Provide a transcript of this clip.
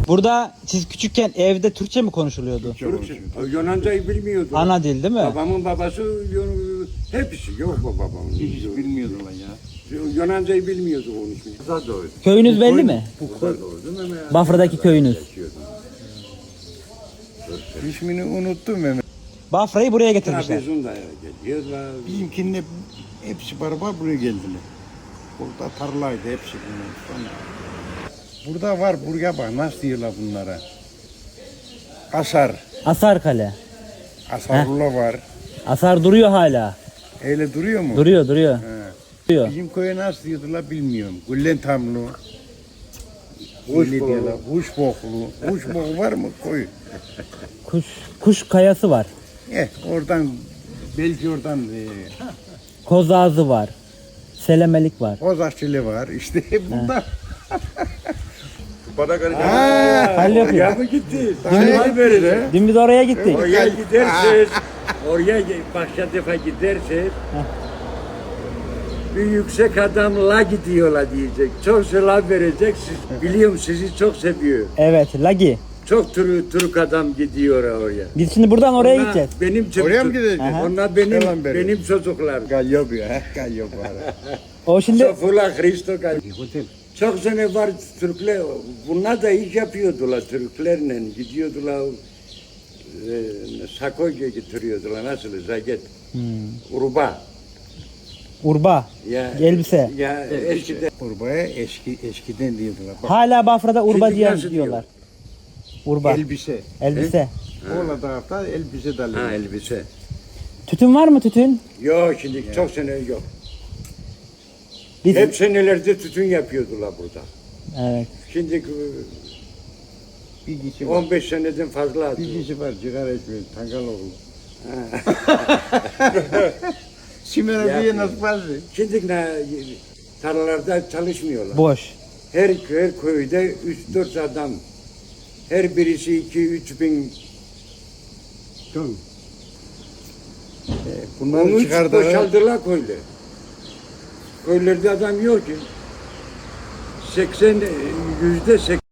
Burada siz küçükken evde Türkçe mi konuşuluyordu? Türkçe. Yunancayı bilmiyordu. Ana dil değil mi? Babamın babası hepsi yok babamın. Hiç bilmiyordum ben ya. Yunancayı bilmiyordu konuşmayı. Güzel doğru. Köyünüz belli mi? Güzel doğru değil mi? Bafra'daki köyünüz. İsmini unuttum Mehmet. Bafra'yı buraya getirmişler. Trabzon'da geliyorlar. Bizimkinin hepsi beraber buraya geldiler. Burada tarlaydı hepsi bunlar. Sonra burada var, buraya bak nasıl diyorlar bunlara. Asar, Asarkale. Asarula var. Asar duruyor hala. Öyle duruyor mu? Duruyor. He. Duruyor. Bizim köye nasıl diyordular bilmiyorum. Güllen tamlu. Kuş Öyle boklu. diyorlar. Kuş boklu. Kuş boku var mı koy? Kuş kayası var. Oradan belki oradan Koz ağzı var. Selemelik var. Kozakçılı var. İşte bunlar. Halil yapıyor. Ya mı gitti? Daha verir. Dün biz oraya gittik. Oraya giderseniz, oraya başka defa giderseniz bir yüksek adamla gidiyorlar diyecek. Çok selam verecek. Siz, biliyorum sizi çok seviyor. Evet, Lagi. Çok Türk adam gidiyor oraya. Biz şimdi buradan oraya Onlar gideceğiz. Benim Oraya mı gideceğiz? Onlar Selam veriyor. benim çocuklar. Gallo bir ha. Gallo var. O şimdi Sofula Hristo çok sene var Türkler. Bunlar da iş yapıyordular Türklerle. Gidiyordular. Sakoya getiriyordular. Nasıl? Zaget. Urba. urba, Ya, elbise. Ya eskiden. Urbaya eskiden diyordular. Bak, Hala Bafra'da urba Şimdi diye nasıl diyorlar. Urba, elbise. elbise. Ola tarafta elbise dalıyor. Ha elbise. Tütün var mı tütün? Yok şimdi çok sene yok. Biz, Hep senelerde tütün yapıyordular burada. evet. Şimdi Bir kişi var. 15 seneden fazla. Bir kişi var sigara içmiyor. Tangaloğlu. Simera diye nasıl fazla? Şimdi tarlalarda çalışmıyorlar. Boş. Her köyde 3-4 adam. Her birisi 2-3 bin. Bunları Onu çıkardılar. boşaldılar köyde. Köylerde adam yok ki. %80